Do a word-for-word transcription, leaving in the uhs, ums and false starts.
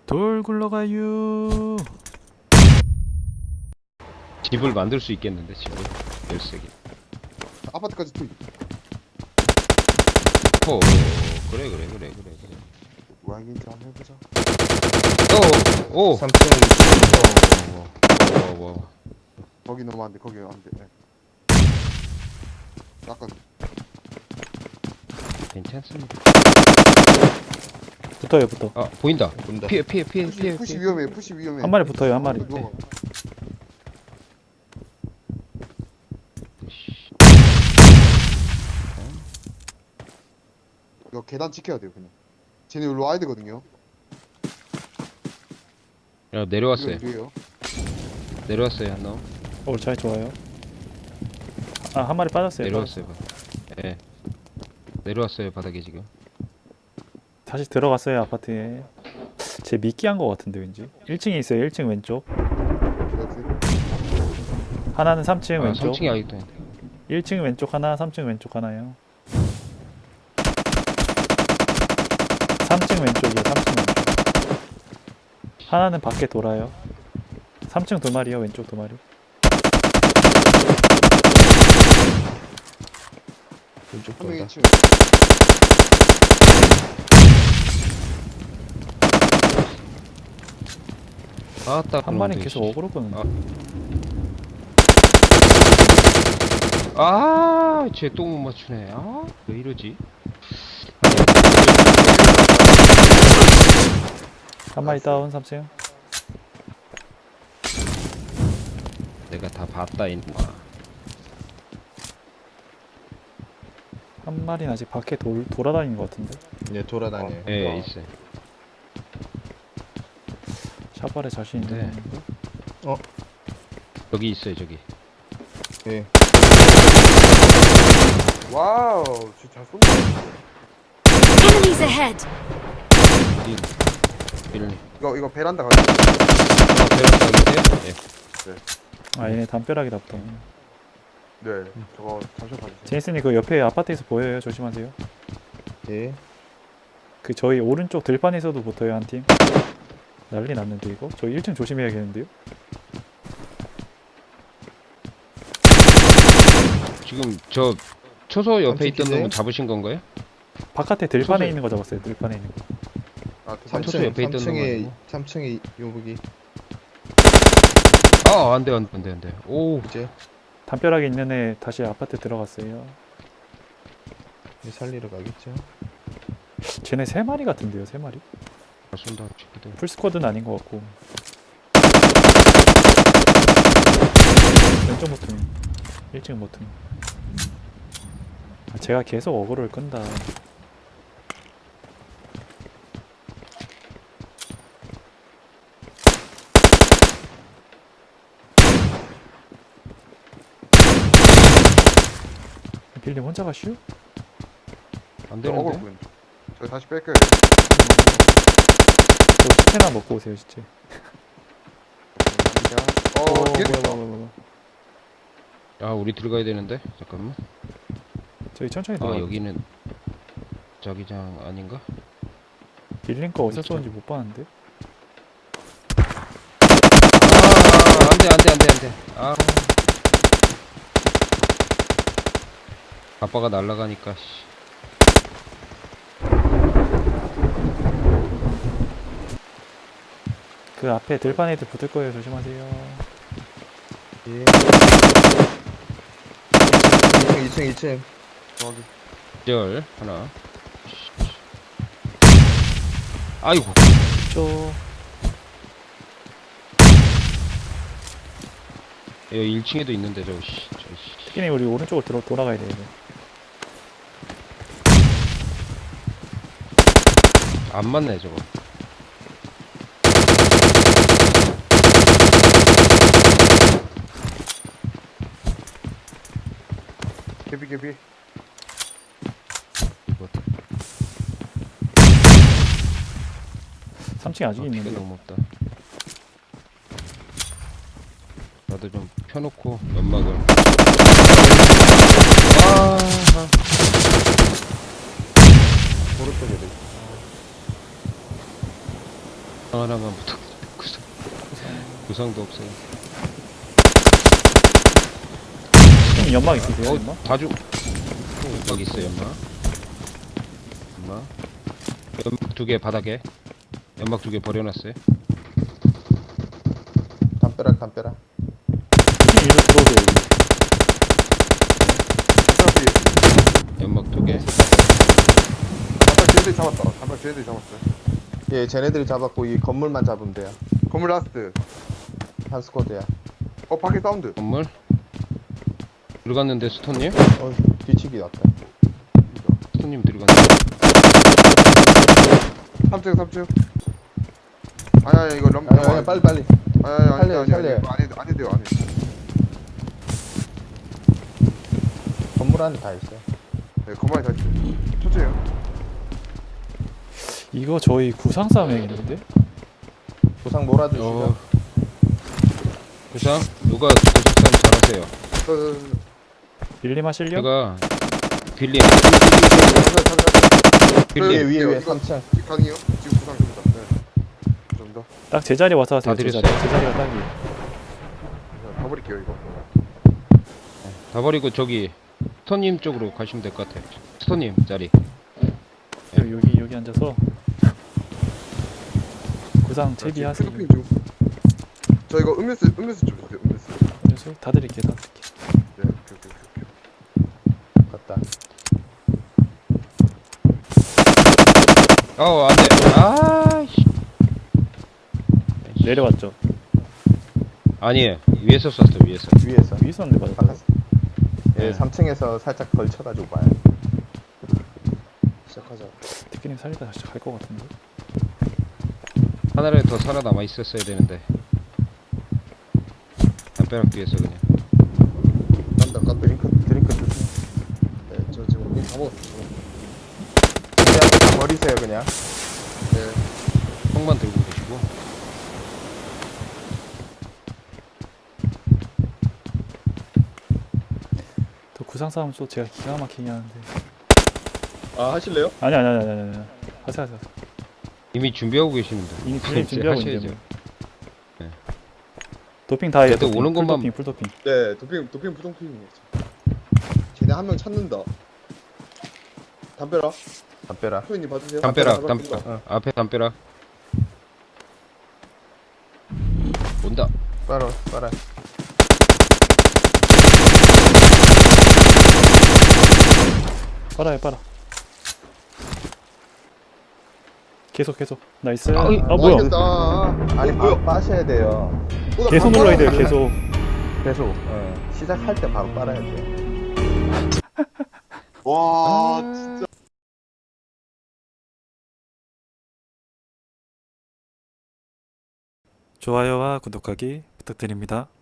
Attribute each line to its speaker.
Speaker 1: 돌 굴러가유.
Speaker 2: 집을 만들 수 있겠는데 집을 열세 개.
Speaker 3: 아파트까지 투입.
Speaker 2: 어 그래 그래 그래 그래 그래.
Speaker 3: 모양인지 한번 해보자.
Speaker 2: 어오
Speaker 4: 삼 층
Speaker 2: 와와와
Speaker 3: 거기 너무 안돼. 거기 안돼. 네. 약간
Speaker 2: 괜찮습니다.
Speaker 1: 붙어요, 붙어.
Speaker 2: 아 보인다.
Speaker 4: 본다.
Speaker 2: 피해 피해 피해
Speaker 3: 푸시,
Speaker 2: 피해
Speaker 3: 푸시
Speaker 2: 피해.
Speaker 3: 위험해. 푸시 위험해.
Speaker 1: 한 마리 붙어요, 한 마리.
Speaker 3: 누워봐. 이거 계단 지켜야 돼요 그냥. 쟤네 여기로 와야 되거든요.
Speaker 2: 야 내려왔어요.
Speaker 3: 이거 위에요.
Speaker 2: 내려왔어요 한 놈.
Speaker 1: 오, 잘 좋아요. 아, 한 마리 빠졌어요.
Speaker 2: 내려왔어요. 예. 네. 내려왔어요 바닥에 지금.
Speaker 1: 다시 들어갔어요, 아파트에. 제 미끼한 거 같은데 왠지. 일 층에 있어요, 일 층 왼쪽.
Speaker 3: 그렇지.
Speaker 1: 하나는 삼 층
Speaker 2: 아,
Speaker 1: 왼쪽.
Speaker 2: 삼 층이 아직도 있는데.
Speaker 1: 일 층 왼쪽 하나, 삼 층 왼쪽 하나요. 삼 층 왼쪽이요, 삼 층 왼쪽. 하나는 밖에 돌아요. 삼 층 두 마리요, 왼쪽 두 마리.
Speaker 4: 왼쪽
Speaker 3: 한 명이
Speaker 4: 본다.
Speaker 3: 층.
Speaker 2: 아따
Speaker 1: 한 마리는 계속 어그로 끄는데.
Speaker 2: 아, 쟤 똥 못 맞추네. 아, 왜 이러지?
Speaker 1: 한 마리 다운, 삼 층.
Speaker 2: 내가 다 봤다 인마.
Speaker 1: 한 마리는 아직 밖에 돌, 돌아다니는 것 같은데.
Speaker 4: 네, 돌아다녀요.
Speaker 2: 예,
Speaker 3: 어.
Speaker 2: 있어요.
Speaker 1: 샤발에 자신 있는
Speaker 2: 네.
Speaker 1: 건데.
Speaker 2: 여기 있어요, 저기.
Speaker 4: 예.
Speaker 3: 와우. 진짜 잘 쏜다.
Speaker 5: Enemies ahead!
Speaker 2: 여기 이런.
Speaker 3: 이거 이거 베란다 가자.
Speaker 2: 아, 배웠다 있어요? 예.
Speaker 1: 아, 얘네 담벼락이다 보다.
Speaker 3: 네. 저거 잠시만 봐주세요.
Speaker 1: 제이슨이 그 옆에 아파트에서 보여요. 조심하세요.
Speaker 4: 예.
Speaker 1: 그 저희 오른쪽 들판에서도 붙어요, 한 팀. 난리 났는데 이거? 저 일 층 조심해야겠는데요?
Speaker 2: 지금 저 초소 옆에 있던
Speaker 4: 삼층이세요?
Speaker 2: 놈은 잡으신 건가요?
Speaker 1: 바깥에 들판에
Speaker 2: 소설.
Speaker 1: 있는 거 잡았어요. 들판에 있는 거.
Speaker 3: 아,
Speaker 4: 삼
Speaker 3: 그
Speaker 2: 삼 층 옆에 있던
Speaker 4: 삼 층에
Speaker 2: 놈
Speaker 4: 삼 층에 요복이
Speaker 2: 아, 안 돼, 안 돼, 안 돼, 안 돼. 오,
Speaker 4: 이제
Speaker 1: 담벼락에 있는 애 다시 아파트 들어갔어요.
Speaker 4: 살리러 가겠죠.
Speaker 1: 쟤네 세 마리 같은데요, 세 마리?
Speaker 2: 잘 쏜다, 친구들.
Speaker 1: 풀스쿼드는 아닌 것 같고. 왼쪽 모퉁이. 일 층 모퉁이. 아, 제가 계속 어그로를 끈다. 빌림 혼자 가시오?
Speaker 2: 안
Speaker 3: 저 어글
Speaker 2: 되는데?
Speaker 3: 군. 저 다시 뺄게요.
Speaker 1: 저 스테나 먹고 오세요, 진짜.
Speaker 3: 어,
Speaker 1: 오,
Speaker 3: 뒤에
Speaker 1: 뭐야,
Speaker 3: 있어.
Speaker 1: 뭐야, 뭐야, 뭐야.
Speaker 2: 아, 우리 들어가야 되는데? 잠깐만.
Speaker 1: 저기 천천히
Speaker 2: 아,
Speaker 1: 들어가.
Speaker 2: 여기는 자기장 아닌가?
Speaker 1: 빌린 거 어디서 쏘는지 못 봤는데.
Speaker 2: 아, 안 돼, 안 돼, 안 돼, 안 돼. 아. 아빠가 날아가니까, 씨.
Speaker 1: 그 앞에 들판 애들 붙을 거예요. 조심하세요.
Speaker 4: 예. 이 층 이 층 이 층.
Speaker 3: 저기.
Speaker 2: 절 하나. 아이고.
Speaker 1: 저
Speaker 2: 여기 일 층에도 있는데 저 씨. 저 씨.
Speaker 1: 특히는 우리 오른쪽으로 들어 돌아가야 돼요. 이제.
Speaker 2: 안 맞네 저거.
Speaker 3: 개비 개비.
Speaker 2: 이거
Speaker 1: 삼 층에 아직
Speaker 2: 아, 피가
Speaker 1: 있는데.
Speaker 2: 너무 없다. 나도 좀 펴놓고 연막을. 아.
Speaker 4: 오른쪽에도 있어.
Speaker 2: 하나만 부탁. 구상. 구상도 없어요.
Speaker 1: 형님 연막 있으세요?
Speaker 2: 어,
Speaker 1: 연막?
Speaker 2: 다 주. 여기 있어 연막. 연막. 연막 두 개 바닥에. 연막 두 개 버려놨어요.
Speaker 4: 담벼락 담벼락.
Speaker 1: 형님 일로 들어오세요. 여기.
Speaker 3: 어차피
Speaker 2: 연막 두 개.
Speaker 3: 단발 쟤네들이 잡았다. 단발 쟤네들이 잡았어요.
Speaker 4: 예, 쟤네들이 잡았고 이 건물만 잡으면 돼요.
Speaker 3: 건물 라스트.
Speaker 4: 한 스쿼드야.
Speaker 3: 어 밖에 사운드.
Speaker 2: 건물. 들어갔는데 스톤님?
Speaker 4: 어, 뒤치기 왔다.
Speaker 2: 스톤님 들어갔는데.
Speaker 3: 삼 층 삼 층. 아니 아니 이거 럼.
Speaker 4: 아니, 아니, 빨리 빨리.
Speaker 3: 아니 아니 아니
Speaker 4: 살려요,
Speaker 3: 아니 아니
Speaker 4: 살려요.
Speaker 3: 이거 안 해도 안 해도 돼요 안 해도.
Speaker 4: 건물 안에 다 있어요.
Speaker 3: 네 건물에 다 있어요. 천천히 해요.
Speaker 1: 이거 저희 구상 싸움 해야겠는데?
Speaker 4: 구상 몰아주시죠.
Speaker 2: 어. 구상? 누가 구상 잘하세요?
Speaker 3: 저, 저, 저, 저.
Speaker 1: 빌림 하실려?
Speaker 2: 제가 빌림.
Speaker 3: 그,
Speaker 4: 위에 위에
Speaker 3: 이거,
Speaker 4: 위에
Speaker 3: 이거
Speaker 4: 삼 층.
Speaker 3: 가능해요? 지금 부상 됩니다. 네. 좀 더.
Speaker 1: 딱 제자리 와서 하세요.
Speaker 2: 다
Speaker 1: 제자리.
Speaker 2: 드렸어요.
Speaker 1: 제자리가 딱이에요.
Speaker 3: 다 버릴게요 이거.
Speaker 2: 다 버리고 저기 스톤님 쪽으로 가시면 될 것 같아요. 스톤님 자리.
Speaker 1: 여기 여기, 여기 앉아서 구상 채비하세요.
Speaker 3: 피드핑 중. 저 이거 음료수 음료수 좀 주세요. 음료수.
Speaker 1: 그래서 다 드릴게요. 다 드릴게요.
Speaker 3: 네. 오케이 오케이 오케이.
Speaker 4: 갔다.
Speaker 2: 어 안돼. 아씨.
Speaker 1: 내려왔죠.
Speaker 2: 아니에요. 위에서 쐈어 위에서.
Speaker 4: 위에서.
Speaker 1: 위에서 한대 맞았다.
Speaker 4: 바깥. 예,
Speaker 2: 네.
Speaker 4: 삼 층에서 살짝 걸쳐가지고 봐요. 시작하자.
Speaker 1: 티켓님 살리다 다시 갈 것 같은데.
Speaker 2: 하나를 더 살아남아 있었어야 되는데. 담벼락 뒤에서 그냥.
Speaker 4: 간다, 간다. 드링크, 드링크 드세요.
Speaker 3: 네, 저 지금 우리 다 먹었어요.
Speaker 4: 그냥 다 버리세요, 그냥.
Speaker 3: 네.
Speaker 2: 총만 들고 계시고.
Speaker 1: 또 구상 싸움 또 제가 기가 막히게 하는데.
Speaker 3: 아 하실래요?
Speaker 1: 아니 아니 아니 아니 아니. 하세요 하세요.
Speaker 2: 이미 준비하고 계시는데.
Speaker 1: 이미 빌림 준비하고 있는데
Speaker 2: 하셔야죠.
Speaker 1: 뭐.
Speaker 2: 네.
Speaker 1: 도핑 다 해요.
Speaker 2: 그래도
Speaker 1: 도핑.
Speaker 2: 오는
Speaker 1: 풀
Speaker 2: 것만-
Speaker 1: 도핑 풀 도핑.
Speaker 3: 네, 도핑 도핑 부정핑이에요. 쟤네 한 명 찾는다. 담벼락.
Speaker 4: 담벼락.
Speaker 3: 소연님 봐주세요.
Speaker 2: 담벼락
Speaker 3: 담벼락
Speaker 2: 담벼락.
Speaker 4: 어.
Speaker 2: 앞에 담벼락. 온다.
Speaker 4: 빨아, 빨아.
Speaker 1: 빨아요 빨아. 계속 계속. 나이스.
Speaker 2: 아이,
Speaker 1: 아 뭐야?
Speaker 3: 알겠다.
Speaker 4: 아니,
Speaker 3: 어, 뭐야?
Speaker 4: 바, 빠셔야 돼요.
Speaker 3: 어, 나
Speaker 1: 계속
Speaker 3: 밥
Speaker 1: 눌러야 돼요.
Speaker 3: 빨았는데.
Speaker 1: 계속.
Speaker 4: 계속. 예. 시작할 때 바로 빨아야 돼요.
Speaker 3: 와,
Speaker 2: 아.
Speaker 3: 진짜.
Speaker 1: 좋아요와 구독하기 부탁드립니다.